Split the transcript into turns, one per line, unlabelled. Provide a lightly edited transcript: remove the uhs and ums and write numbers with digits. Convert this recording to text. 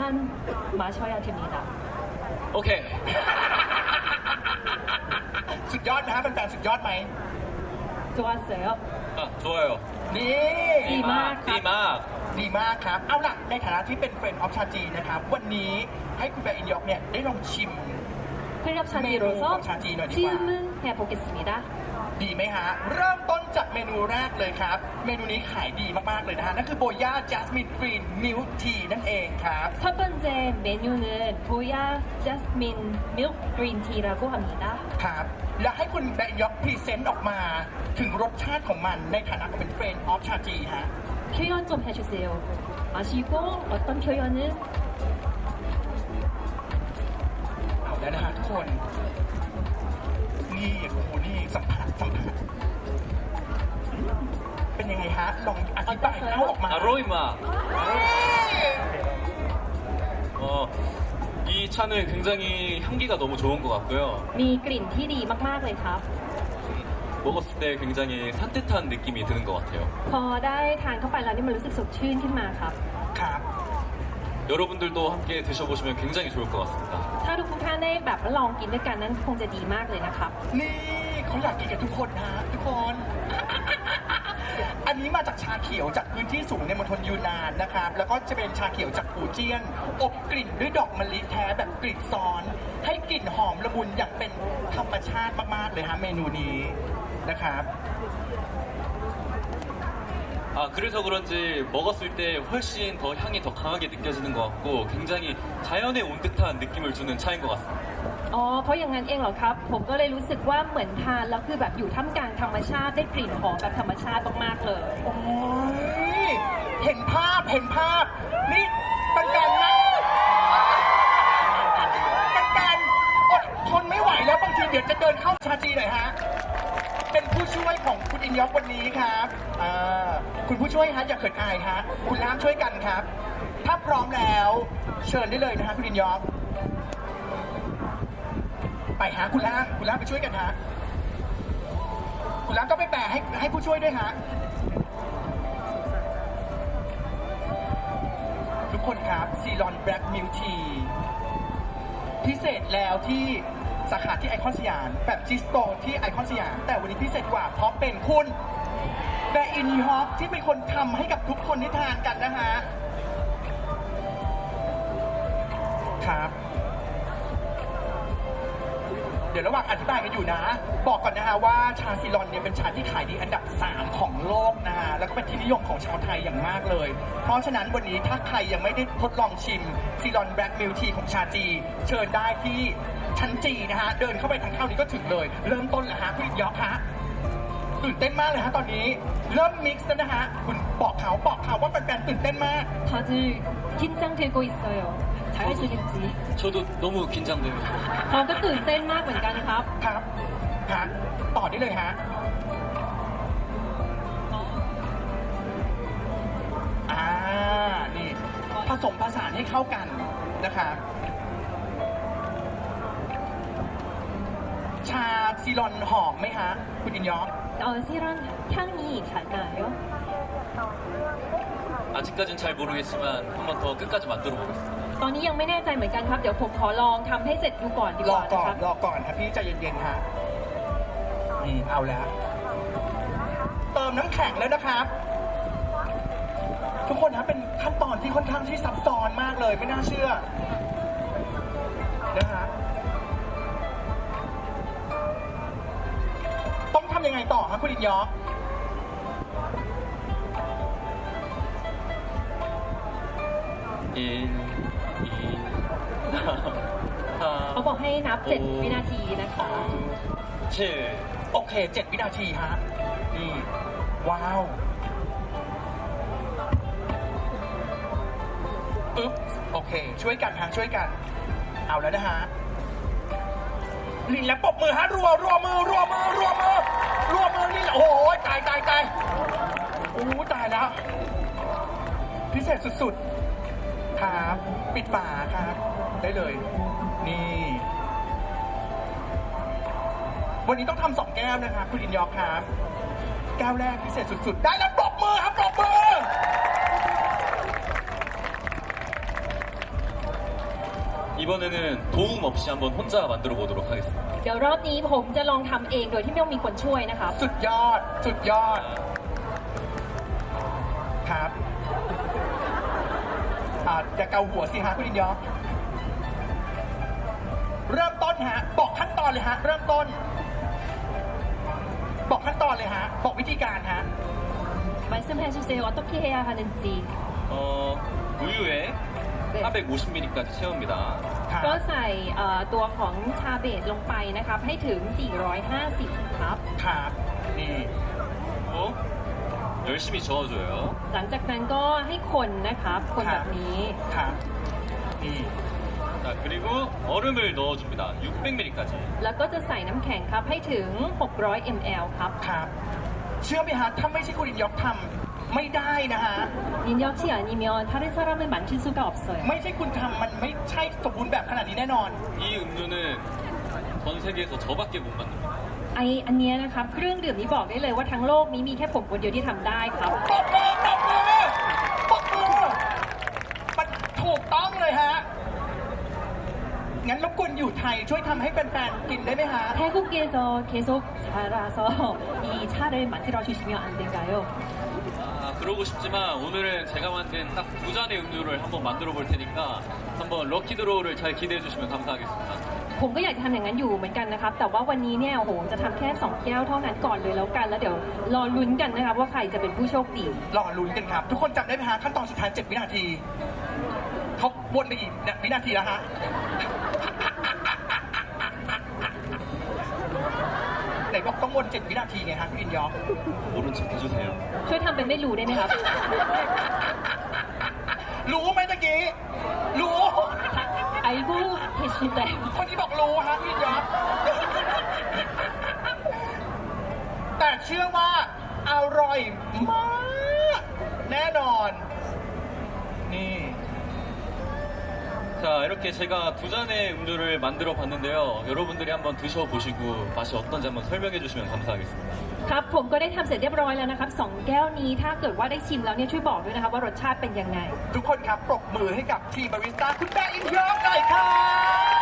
마셔야 됩니다.
โอเค
สุดยอดนะฮะแฟนๆสุดยอดไหม
좋았어요.
아, 좋아요.
นี่
ดีมากครับ
ดีมาก
ดีมากครับ เอาล่ะในฐานะที่เป็นเฟรนด์ออฟชาจีนะครับ วันนี้ให้คุณแบร์อินยอกเนี่ยได้ลองชิม
클럽
메뉴
차지로서
차지는
질문 해보겠습니다.
ดีไหมฮะ เริ่มต้นจากเมนูแรกเลยครับ เมนูนี้ขายดีมากๆเลยนะฮะ นั่นคือโบย่าจัสมินกรีนมิลค์ทีนั่นเองครับ
첫 번째 메뉴는 보야 자스민 밀크 그린티라고 합니다.
ครับ และให้คุณแบร์อินยอกพรีเซนต์ออกมาถึงรสชาติของมันในฐานะเป็นเฟรนด์ออฟชาจีฮะ
표현 좀 해주세요. 마시고 어떤 표현은
เอาแล้วนะฮะทุกคน นี่โอ้โหนี่สัมผัสเป็นยังไงฮะ ลองอธิบายเล่าออกมา
아로이마. 어, 이 차는 굉장히 향기가 너무 좋은 것 같고요.
มีกลิ่นที่ดีมากๆเลยครับ
먹었을 때 굉장히 산뜻한 느낌이 드는 것 같아요.
พอได้ทานเข้าไปแล้วนี่มันรู้สึกสดชื่นขึ้นมาครับ
ครับ
여러분들도 함께 드셔보시면 굉장히 좋을 것 같습니다.
ถ้าทุกท่านได้แบบลองกินด้วยกันนั้นคงจะดีมากเลยนะครับ
นี่เขาอยากกินกันทุกคนนะทุกคน อันนี้มาจากชาเขียวจากพื้นที่สูงในมณฑลยูนานนะครับ แล้วก็จะเป็นชาเขียวจากฟูเจียน อบกลิ่นด้วยดอกมะลิแท้แบบกลิ่นซ้อน ให้กลิ่นหอมละมุนอย่างเป็นธรรมชาติมากๆเลยฮะเมนูนี้นะครับ
아, 그래서 그런지 먹었을 때 훨씬 더 향이 더 강하게 느껴지는 것 같고 굉장히 자연에 온 듯한 느낌을 주는 차인 것 같습니다.
อ๋อเพราะอย่างนั้นเองเหรอครับ ผมก็เลยรู้สึกว่าเหมือนทานแล้วคือแบบอยู่ท่ามกลางธรรมชาติได้กลิ่นหอมแบบธรรมชาติมากๆเลย
โอ้ยเห็นภาพ นี่เป็นการนั่งเป็นการอดทนไม่ไหวแล้วบางทีเดี๋ยวจะเดินเข้าชาจีหน่อยฮะ เป็นผู้ช่วยของคุณอินยอกวันนี้ครับคุณผู้ช่วยฮะอย่าเขินอายฮะ คุณล่ามช่วยกันครับ ถ้าพร้อมแล้วเชิญได้เลยนะฮะคุณอินยอกไปฮะคุณล่ามไปช่วยกันฮะ คุณล่ามต้องไปแปลให้ผู้ช่วยด้วยฮะ ทุกคนครับซีรอนแบล็กมิลทีพิเศษแล้วที่สาขาที่ไอคอนสยามแบบจิสโตที่ไอคอนสยามแต่วันนี้พิเศษกว่าเพราะเป็นคุณแบร์อินฮอปที่เป็นคนทำให้กับทุกคนที่ทานกันนะฮะครับ เดี๋ยวระหว่างอธิบายกันอยู่นะ บอกก่อนนะฮะว่าชาซีรอนเนี่ยเป็นชาที่ขายดีอันดับ 3 ของโลกนะฮะแล้วก็เป็นที่นิยมของชาวไทยอย่างมากเลย เพราะฉะนั้นวันนี้ถ้าใครยังไม่ได้ทดลองชิมซีรอนแบล็กมิลทีของชาจีเชิญได้ที่ชั้นจีนะฮะเดินเข้าไปทางเข้านี้ก็ถึงเลย เริ่มต้นแล้วฮะคุณยอกฮะตื่นเต้นมากเลยฮะตอนนี้เริ่มมิกซ์แล้วนะฮะคุณบอกเขาว่าแฟนๆตื่นเต้นมาก
다들 긴장되고 있어요. 잘하시겠지.
저도 너무 긴장됩니다.
เราก็ตื่นเต้นมากเหมือนกันครับ
ครับฮะต่อได้เลยฮะนี่ผสมผสานให้เข้ากันนะครับชาซีรอนหอมไหมฮะคุณอินยอก
시런 향이 잘 나요?
아직까진 잘 모르겠지만 한번 더 끝까지 만들어 보겠습니다.
ตอนนี้ยังไม่แน่ใจเหมือนกันครับ เดี๋ยวผมขอลองทำให้เสร็จดูก่อนดี
ร
ก
อ
ว่า
ก่
นะ
อ
คน รับ
รอก่อนครับพี่ใจเย็นๆฮะเอาแล้วเติมน้ำแข็งแล้วนะครับ ทุกคนนะเป็นขั้นตอนที่ค่อนข้างที่ซับซ้อนมากเลยไม่น่าเชื่อนะฮะต้องทำยังไงต่อครับคุณอินยอก
1, 2,
เขาบอกให้นับ 7 วินาทีนะคะ
7.
โอเค 7 วินาทีฮะนี่ว้าวปึ๊บโอเค ช่วยกันฮะช่วยกัน เอาแล้วนะฮะลินแล้วปรบมือฮะรัวมือนี่โอ้โหตายโอ้ตายแล้ว พิเศษสุดๆครับปิดฝาครับได้เลย นี่ วันนี้ต้องทำ2 แก้วนะครับคุณอินยอกครับ แก้วแรกพิเศษสุดๆ ได้แล้วปรบมือครับปรบมือ
이번에는 도움 없이 한번 혼자 만들어 보도록 하겠습니다.
เดี๋ยวรอบนี้ผมจะลองทำเองโดยที่ไม่ต้องมีคนช่วยนะครับ
สุดยอด สุดยอด ครับอย่าเกาหัวสิฮะคุณอินยอเริ่มต้นฮะ บอกขั้นตอนเลยฮะ เริ่มต้น บอกขั้นตอนเลยฮะ บอกวิธีการฮะ
말씀해 주세요. 어떻게 해야 하는지.
우유에
네.
450ml까지 채웁니다.
ครับ
ก็ใส่ตัวของชาเบตลงไปนะครับ ให้ถึง 450 ครับ
ครับ นี่
그리고 열심히 저어줘요.
หลังจากนั้นก็ให้คนนะครับ คนแบบนี้
ครับ นี่
자, 그리고 얼음을 넣어줍니다. 600ml까지.
แล้วก็จะใส่น้ำแข็งครับ ให้ถึง 600 ml ครับ
ครับ เชื่อไหมฮะ ถ้าไม่ใช่คุณอินยอกทำไม่ได้นะฮะ
인역시 아니면 다른 사람을 만질 수가 없어요.
ไม่ใช่คุณทำมันไม่ใช่สมบูรณ์แบบขนาดนี้แน่นอน
이 음료는 전 세계에서 저밖에 못 만듭니다.
อันเนี้ยนะครับ เครื่องดื่มนี้บอกได้เลยว่าทั้งโลกนี้มีแค่ผมคนเดียวที่ทำได้ครับ
ปรบมือปรบมือปรบมือมันถูกต้องเลยฮะ งั้นรบกวนอยู่ไทยช่วยทำให้แฟนๆกินได้ไหมฮะ
태국에서 계속 자라서 이 차를 만들어 주시면 안 될까요?
그러고 싶지만 오늘은 제가 만든 딱 두 잔의 음료를 한번 만들어 볼 테니까 한번 럭키드로우를 잘 기대해 주시면 감사하겠습니다.
ผมก็อยากจะทำอย่างนั้นอยู่เหมือนกันนะครับ แต่ว่าวันนี้เนี่ยโอ้โหจะทำแค่ 2 แก้วเท่านั้นก่อนเลยแล้วกัน แล้วเดี๋ยวรอลุ้นกันนะครับว่าใครจะเป็นผู้โชคดี
รอลุ้นกันครับ ทุกคนจำได้ไหมฮะขั้นตอนสุดท้าย 7 วินาที เขาวนไปอีกวินาทีแล้วฮะ ไหนบอกต้องวน 7 วินาทีไงฮะคุณอินยอก
모른 척 해주세요.
ช่วยทำเป็นไม่รู้ได้ไหมครับ
รู้ไหมตะกี้ รู้
알고 계신데
คนที่บอกรู้ฮะพี่ยอด แต่เชื่อว่าอร่อยมาก แน่นอน นี่
자, 이렇게 제가 두 잔의 음료를 만들어 봤는데요. 여러분들이 한번 드셔보시고 맛이 어떤지 한번 설명해 주시면 감사하겠습니다.
ครับผมก็ได้ทำเสร็จเรียบร้อยแล้วนะครับ2แก้วนี้ถ้าเกิดว่าได้ชิมแล้วเนี่ยช่วยบอกด้วยนะครับว่ารสชาติเป็นยังไง
ทุกคนครับปรบมือให้กับทีมบาริสต้าคุณแม่อินยอดหน่อยครับ